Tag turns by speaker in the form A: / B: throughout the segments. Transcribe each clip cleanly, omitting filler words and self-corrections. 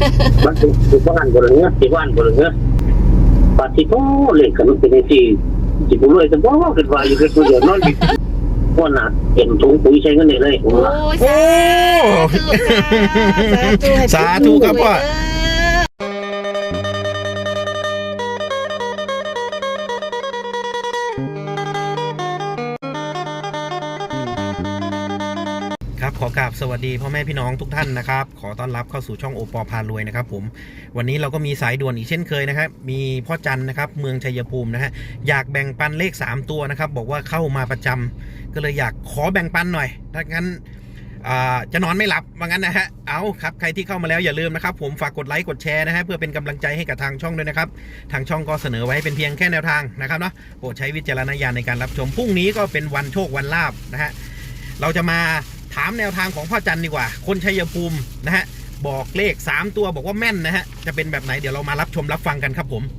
A: มันคือบ้านบนเนื้อที่บ้านบนเนื้อปฏิโทเล่นกันเป็นที่จิบุรวยจะบอกกันว่าอยู่แค่ตัวเดียวนอนว่าน่ะเห็นถุงปุ๋ยใช้เงินเลยผมว่า
B: โอ้สาธุครับพ่อครับขอกราบสวัสดีพ่อแม่พี่น้องทุกท่านนะครับขอต้อนรับเข้าสู่ช่องโอปอพารวยนะครับผมวันนี้เราก็มีสายด่วนอีกเช่นเคยนะครับมีพ่อจันนะครับเมืองชัยภูมินะฮะอยากแบ่งปันเลข3ตัวนะครับบอกว่าเข้ามาประจำก็เลยอยากขอแบ่งปันหน่อยถ้างั้นจะนอนไม่หลับว่างั้นนะฮะเอาครับใครที่เข้ามาแล้วอย่าลืมนะครับผมฝากกดไลค์กดแชร์นะฮะเพื่อเป็นกำลังใจให้กับทางช่องด้วยนะครับทางช่องก็เสนอไว้เป็นเพียงแค่แนวทางนะครับเนาะโปรดใช้วิจารณญาณในการรับชมพรุ่งนี้ก็เป็นวันโชควันลาภนะฮะเราจะมาถามแนวทางของพ่อจันดีกว่าคนชัยภูมินะฮะบอกเลข3ตัวบอกว่าแม่นนะฮะจะเป็นแบบไหนเดี๋ยวเรามารับชมรับฟังกันครับผม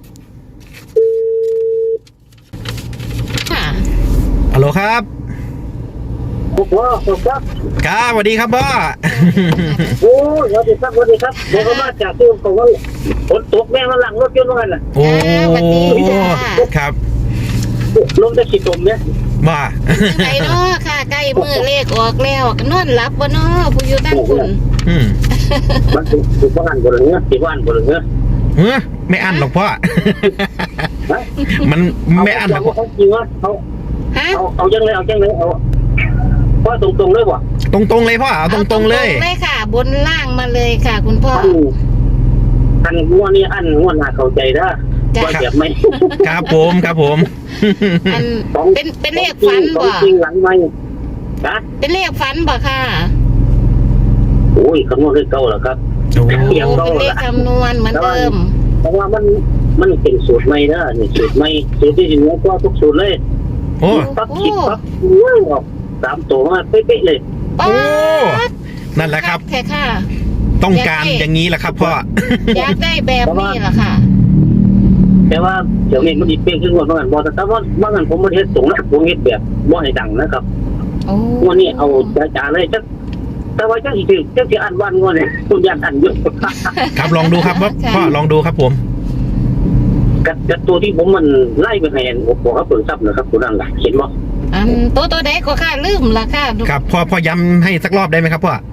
B: ฮัลโหลครับ
A: พ่อครับ
B: ครับสวัสดีครับพ่อ
A: โอ้สวัสดีครับสวัสดีครับเดี๋ยวก็มาจากที่ผมว่าฝนตกแม่มาหลังรถยนต์ว่างั้นน่ะ
B: โอ้ครับ
A: ลมจะขีดตมเนี่ย
B: ว่า
C: ไก่นอค่ะไก่มือเลขออกแล้วนอนหลับบ่นอผู้อยู่ตั้งคุณ
A: มันคือบ้านบนเนื้อที่บ้านบนเนื้อ
B: ไม่อั้นหรอกพ่อมันไม่อั้นหรอก
A: เขาจริงว่าเอาจังเลยเอาพ่อตรงเลยว่ะ
B: ตรงเลยพ่อเอาตรงเลย
C: เลยค่ะบนล่างมาเลยค่ะคุณพ่อ
A: อันงัวนี่อันงัวน่าเข้าใจนะว่าแบบไม่
B: ครับผม
C: อันเป็นเลขฝันบ่
A: จริงหลังไม่นะ
C: เป็นเลขฝันบ่ค่ะ
A: โอ้ยคำนวณเลขเก่าเหรอครับ
C: เป็นเลขคำนวณเหมือนเดิม
A: เพราะว่ามันเป็นสูตรใหม่นะนี่สูตรใหม่สูตรที่จริงแล้วก็ทุกสูตรเลย
B: โอ้
A: ปั๊บคิดปั๊บออก3ตัวมาเป๊ะๆเลย
B: โอ้นั่นแหละครับ
C: แค่ค่ะ
B: ต้องการอย่างนี้แหละครับพ่อ
C: อยากได้แบบนี้แหละค่ะ
A: แต่ว่าเดี๋ยวนี้มันดีเป๊ะขึ้นกว่าเมื่อก่อนบอกแต่ว่าเมื่อก่อนผมมาเทสส่งนะผมเฮ็ดแบบบ่ให้ดังนะครับวันนี้เอาจ๋าๆเลยจักแต่ว่าจักอีกทีจักสิอ่านวันงวดเนี่ยคุณอยากอ่านอยู่
B: ครับลองดูครับพ่อลองดูครับผม
A: กับตัวที่ผมมันไล่ไปให้บอกเขาเปิดซับนะครับคุณนั่นแหละเห็นบ่
C: ตัวใดก็ค่ะลืมละค่ะ
B: ครับพ่อย้ำให้สักรอบได้ไหมครับพ่อ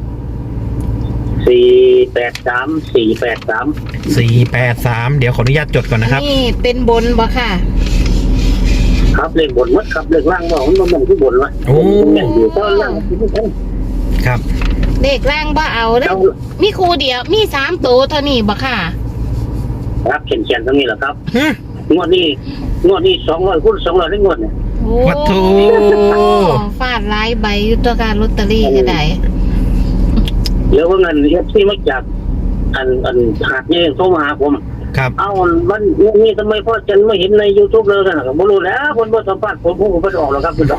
B: 483เดี๋ยวขออนุญาตจดก่อนนะครับ
C: นี่เป็นบนบ่ค่ะ
A: ครับเลขบนมัดครับเลขล่างบ่มันที่บนวะ
B: โอ้
A: อยู่ตอนล่าง
B: ครับ
C: เลขล่างบ่เอาเด้มีคู่เดียวมี3ตัวเท่านี้บ่ค่ะ
A: ครับเขียนตรงนี้แหละครับงวดนี้200คูณ200ได้งวดเนี่ย
B: วัตถุ
C: ฟาดหลายใบอยู่ตัวการลอตเตอรี่ก็ได้
A: เดี๋ยวว่าเงินที่มาจากอันหาดนี่โทรมาหาผม
B: ครับ
A: เอาวันนี้ทำไมพ่อจันไม่เห็นใน YouTube เลยกันนะครับไม่รู้แล้วคนบ่สัมภาษณ์ผมไม่ออกหรอกครับคุณ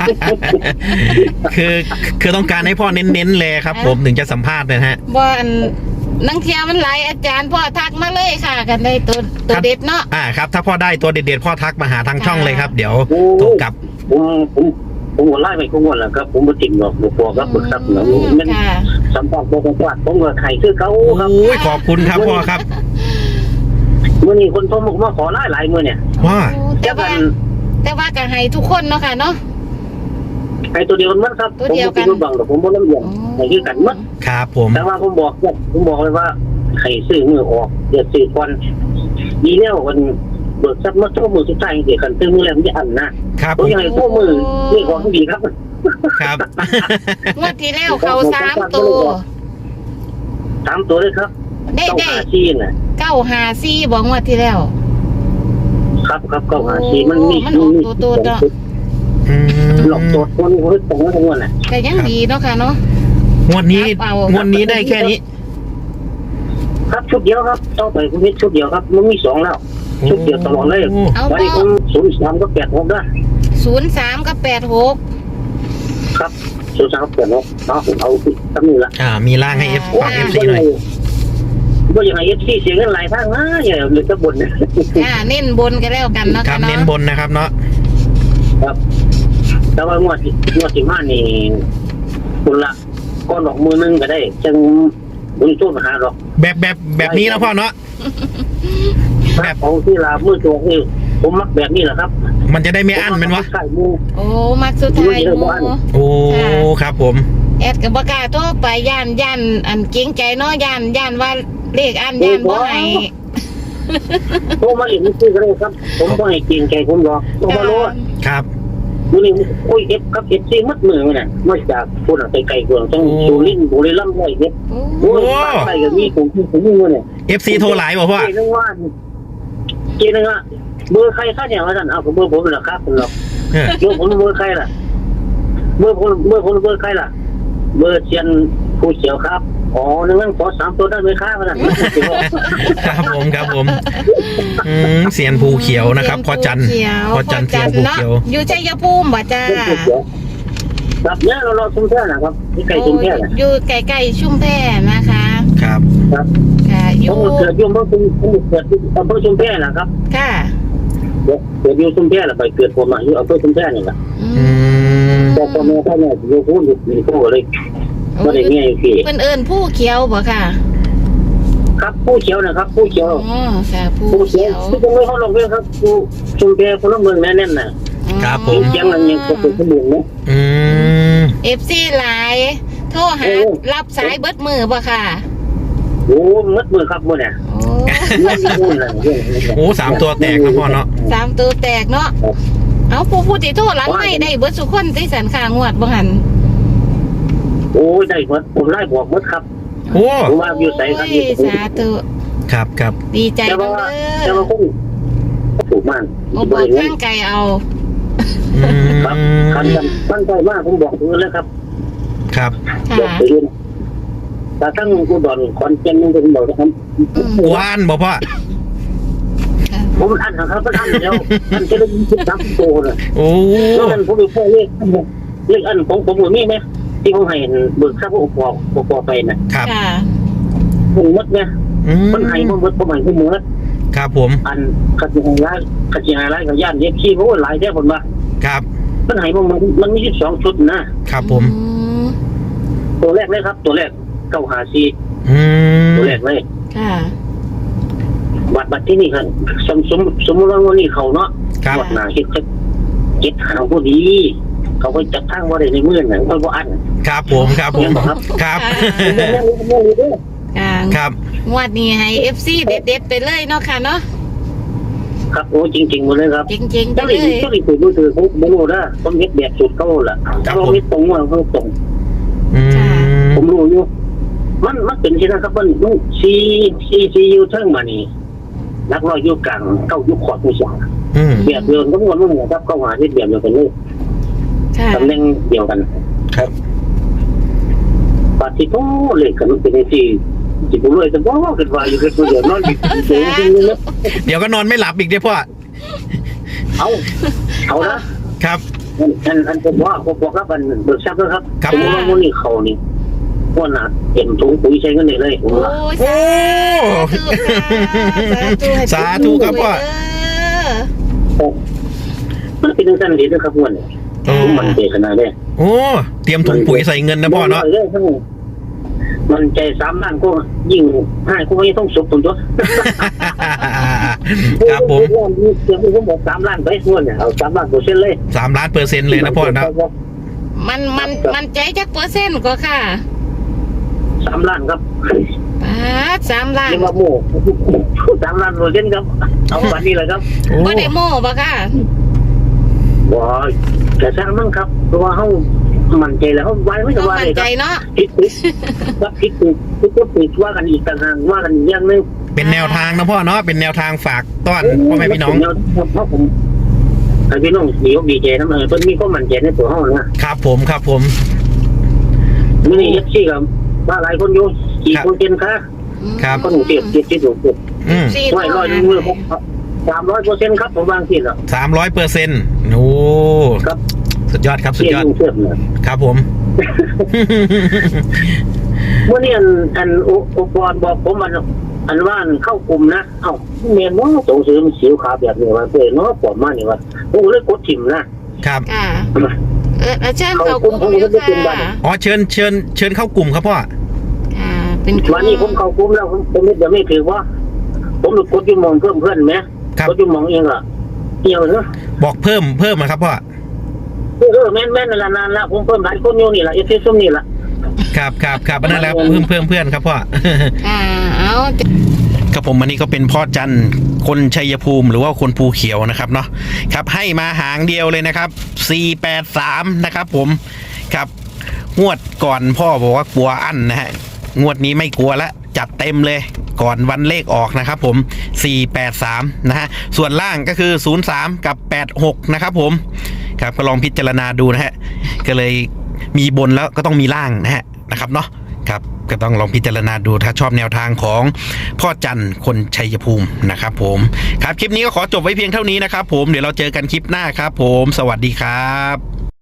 B: คือต้องการให้พ่อเน้นๆเลยครับผมถึงจะสัมภาษณ์นะฮะ
C: บ่นังเทียมันหลายอาจารย์พ่อทักมาเลยค่ะกันได้ตัวเด็ดเนาะ
B: ครับถ้าพ่อได้ตัวเด็ดๆพ่อทักมาหาทางช่องเลยครับเดี๋ยวโทรกลับ
A: ผมไล่ไปคุ้มวันแหละครับผมไม่ติดหรอกพอครับปรึกษาหนูมันสัมภาษณ์ผมก็ไข่คือเขาครับ
B: โอ้ยขอบคุณครับพ่อครับ
A: เมื่อนี้คนโทรมาขอหลายมือเนี่ย
B: ว่า
C: แต่ว่าก็ให้ทุกคนเนาะค่ะเนาะ
A: ให้ตัวเดียวมั้งครับ
C: ตัวเดียวกัน
A: ผมบังแต่ผมบ่น้ำเย็นให้คือกันมั้ง
B: ครับผม
A: แต่ว่าผมบอกเลยว่าให้ซื้อมือออกเดี๋ยวซื้อควันดีแล้วมันเบิกซับมาโทรมือสุดท้ายเดี๋ยวกันซื้อมือแล้วมันจะอันนะครับผมยังไงโทรมือนี่ของดีครับ
B: ครับ
C: งวดที่แล้วเขา3ตัว
A: เลยครับ
C: ได้
A: 954น่ะ
C: 954บอกงวดที่แล้ว
A: ครับ954มันมี
C: ตัวเนาะ
A: หลอกตัวคนนี้ตรงนั้นทั้งวันน่ะ
C: แต่ยังดีเนาะค่ะเนาะ
B: งวดนี้ได้แค่นี้
A: ครับชุดเดียวครับต่อไปคุณชุดเดียวครับมันมี2แล้วชุดเดียวตลอดเลยวันนี้ผม03ก็86ด้วย
C: 03กับ86
A: ครับ03กับ86เอาตั้งนี้ละ
B: มีล่างให้ FC หน่อย
A: ก็ยังไง FC เสียเงินหลายทางนะอย่าเหลือแต่บน
C: เน้นบนกันแล้วกันเนาะ
B: ครับเน้นบนนะครับเนาะ
A: ครับแต่ว่างวด15นี่คุณละก้อนดอกมือนึงก็ได้จังผมโทษมาหาหรอก
B: แบบนี้นะพ่อเนาะ
A: แบบของที่ลามือตัวนี่ผมมักแบบนี้แหละครับ
B: มันจะได้ไม่อั้นมันวะ
A: ไข่มู
C: โอ้มักสุดท้ายหมู
B: โอ้ครับผม
C: แอดกับบ่กล้าโทรไปย่านอันเกรงใจเนาะย่านว่าเลขอันย่านบ่ให้
A: โทรมาอีกนิดนึงก็ได้ครับ ผมก็ให้เกรงใจผมหรอกต้องมารู้ว่า
B: ครับ
A: มื้อนี้โอ้ยเอฟครับเอฟซีมัดมือเนี่ยมาจากพุ่นไปไกลกว่าต้องสุรินทร์บุรีรัมย์ไว้เนี่ย
C: โอ้
A: โอ้ยใกล้กับมีผมเนี่ย
B: FC โทรหลายบ่พ่อ
A: เจนึงว่าเบอร์ใครค่าเนี่ยว่าท่านเอาผมเบอร์ผมเหรอครับผมหรอก
B: เออ
A: เบอร์ผมเบอร์ใครล่ะเบอร์ผมเบอร์ใครล่ะเบอร์เชียนผู้เขียวครับอ๋อนั่นขอ3ตัวได้ไหมครับท่าน
B: ครับผมเสียนภูเขียวนะครับพ่อจันทร์พ่อจันทร์เสียนภูเขียว
C: อยู่ชัยภูมิบ่จ้า
A: ครับเนี่ยเราชุมแพนะครับที่ไกลชุมแพนะ
C: อยู่ใกล้ๆชุมแพนะคะ
B: ครับ
A: ครับ
C: ค่ะอ
A: ผ
C: ยู่
A: มเกิดอยู่เมื่อผมเกิดอำเภอชุมแพนะครับ
C: ค่ะ
A: เกิดอยู่ชุมแพแล้วไปเกิดผมอยู่อำเภอชุมแพนี่แหละ
C: อืม
A: แต่พ่อแม่ท่านเนี่ยอยู่พูดอยู่พูดเลยก็ได้เงี้ยพี่
C: เพิ่นเอิ้นผู้เขียวบ่ค่ะ
A: ครับผู้เขียวนะครับผู้เขียว
C: อ๋อค่ะผู้
A: ผู้เขี
C: เขี
A: ย
C: ยว ว
A: ที่จะไม่เข้าลงเรื่องครับผู้ชุมแพคนละเมืองแน่นๆน่ะ
B: ครับผม
A: เสียงมันยังเป็นขบวนนะ
C: FC หลายโทรหารับสายเบิดมือบ่ค่ะ
A: โอ้มัดมือครับมือเนี่ย
C: โอ้
A: ไม่มีมือเลย
B: โอ้3 ตัวแตกนะพ่อเนาะ
C: 3ตัวแตกเนาะเอาผู้ที่โทรหลังไม่ได้เบิดสุคนที่สันค่างวดบ่หัน
A: โอ้ได้หมดผมไล่บอกหมดครับ
B: โอ้
A: ผมว่าอยู่ใส่ครับ
C: โอ้ยสาธุ
B: ครับ
C: ดีใจ
A: แต่
C: จัง
A: ว่า
C: เล
A: แต่
C: ย
A: ว่าคงถูกมาก
C: โอ้บอกข้างไกลเอา
A: ครับคันตั้งใจมากผมบอกคุณแล้วครับ
B: ครับ
A: บอก
C: ค่ะ
A: ไปเรื่อยแต่ตั้งกูดอนคอนเทนต์ผมบอกนะครับ
B: ว่านบ่พ่อ
A: ผมอันครับท่านแล้วท่านจะได้ยิน3ตัวเลย
B: โอ้
A: แล้วนั้นผมดูพวกเลขอันของผมมีไหมที่เขาให้เบิกค่าพวกปอไปนะครับ
C: ค่ะ
A: ผมมดเนี่ยมันให้ผมมดผมให้ผมมด
B: ครับผม
A: อันขัดยังไงขัดยังไงกับย่านเย็บขี้เพราะว่าหลายแท้ผมว่า
B: ครับ
A: มันให้มันมี12ชุดนะครับ
B: ผม
A: ตัวแรกเลยครับ ตัวแรก954ตัวแรกเลย
C: ค่ะ
A: บัตรที่นี่ครับสมมติว่าวันนี้เขาเนาะ
B: ครับ
A: วัดหนาเฮ็ดจะ7หางพอดี เขาก็จัดทางว่าได้ในมือหนังบ่อัน
B: ครับผมครับผมครับ
C: ค่ะ
B: ครับ
C: งวดนี้ให้ FC เด็ดๆไปเลยเนาะค่ะเนาะ
A: ครับโอ้จริงๆหมดเลยครับ
C: จริงๆไป
A: เจ้าห
C: เล
A: ลิง
C: ย
A: เจ้าหลิงถือมือถือผมบ่รู้นะผมเฮ็ดแบบสุดเขาล่ะถ้าเราไม่ตรงว่าเขาตรง ผมรู้อยู่มันเป็นที่นะครับมันซีอยู่เทิงมานี่นักร้อยอยู่กลางเก้าอยู่ขอดผู้ชายแบบเดียวกันก็วนมันนะครับเข้าหาที่แบบเดียวกันเลย
C: ค่ะ
A: ตำแหน่งเดียวกัน
B: ครับ
A: ปฏิโทเลยกันเป็นที่จิบุรวยจะบอกกันว่าอยู่เป็นตัวเดียวนอนอยู่จริงๆนะ
B: เดี๋ยวก็นอนไม่หลับอีกเด้อพ่อ
A: เอานะครับ อันผมว่าผมบอกครับอันเบิกทรัพย์นะครับ
B: ครับ
A: ผมว่าวันนี้เขานี่ว่าหนาเต็มถุงปุ๋ยใช้กันเลยผม
C: โอ้
A: ว่า
C: ยสาธุ
B: สาธุครับพ่อ
A: มันเป็นเรื่องสั้นดีนะครับวันนี้ผมมันใจขนาดนี้
B: โอ้เตรียมถุงปุ๋ยใส่เงินนะพ่อเนาะ
A: มันใจ3 ล้านก็ยิ่งให้ก็ไม่ต้องสุบตัว
B: ครับผม
A: เดี๋ยวผมบอก3 ล้านไปส่วนเนี่ยเอา3 ล้าน%เลย
B: 3,000,000%เลยนะพ่อนะ
C: มันใจจักเปอร์เซ็นต์ก็ค่ะ
A: 3 ล้านครับ
C: 3 ล้าน
A: เรียกว่าโม่3 ล้าน%ครับเอาวันนี้เลยครับ
C: บ่ได้โม่บ่ค่ะ
A: ว้าแต่สร้างมั่งครับเพราะว่าเขามั่นใจแล้วเขาไว้ไม่สบายเลยค
C: ใจ
A: รับ
C: เนาะ
A: ผิดครับผิดว่ากันอีกต่างหากว่ากันอย่างนึง
B: เป็นแนวทางนะพ่อเนาะเป็นแนวทางฝากต้อนพ่อแม่พี่น้อง
A: เพราะผมไอ้พี่น้องดีใจนะเพิ่นมีความมั่นใจในตัวเขานะครับ
B: ผม
A: มื้อนี้FCกับว่าหลายคนอยู่กี่คนเจนคะ
B: ครับ
A: คนเจ็บที่ถูก ร้อยมือ300%ครับผมวางที่แล้ว
B: 300%โอ้
A: ครับ
B: สุดยอดครับสุดยอด
A: เชื่อมเลย
B: ครับผม
A: เมื่อนี้อันอุปกรณ์บอกผมอันว่าเข้ากลุ่มนะเอ้าเมียนว่าส่งเสริมสิวขาแบบนี้ว่าเพื่อนเนาะปลอมมานี่ว่าโอ้เลยกดถิ่มนะครับ
C: ค่ะเชิญเขากลุ่มอยู่ค่ะ
B: อ๋อเชิญเข้ากลุ่มครับพ่อ
C: ไปเป็น
A: วันนี้ผมเข้ากลุ่มแล้วผมเดี๋ยวไม่ถือว่าผมกดอยู่มองเพิ่มเพื่อนไหมกดอยู่มองเองอะเกี่ยวเนอะ
B: บอกเพิ่มนะครับพ่อ
A: แม่นนานละผมเพิ่มหลายคนอยู่นี่ละเอฟซีซุ่มนี่ละ
B: ครับนั่นแหละเพิ่มเพื่อนครับพ่อ
C: เอา
B: ครับผมอันนี้ก็เป็นพ่อจันคนชัยภูมิหรือว่าคนภูเขียวนะครับเนาะครับให้มาหางเดียวเลยนะครับ483นะครับผมครับงวดก่อนพ่อบอกว่ากลัวอั้นนะฮะงวดนี้ไม่กลัวละจัดเต็มเลยก่อนวันเลขออกนะครับผม483นะฮะส่วนล่างก็คือ03กับ86นะครับผมครับก็ลองพิจารณาดูนะฮะก็เลยมีบนแล้วก็ต้องมีล่างนะครับเนาะครับก็ต้องลองพิจารณาดูถ้าชอบแนวทางของพ่อจันคนชัยภูมินะครับผมครับคลิปนี้ก็ขอจบไว้เพียงเท่านี้นะครับผมเดี๋ยวเราเจอกันคลิปหน้าครับผมสวัสดีครับ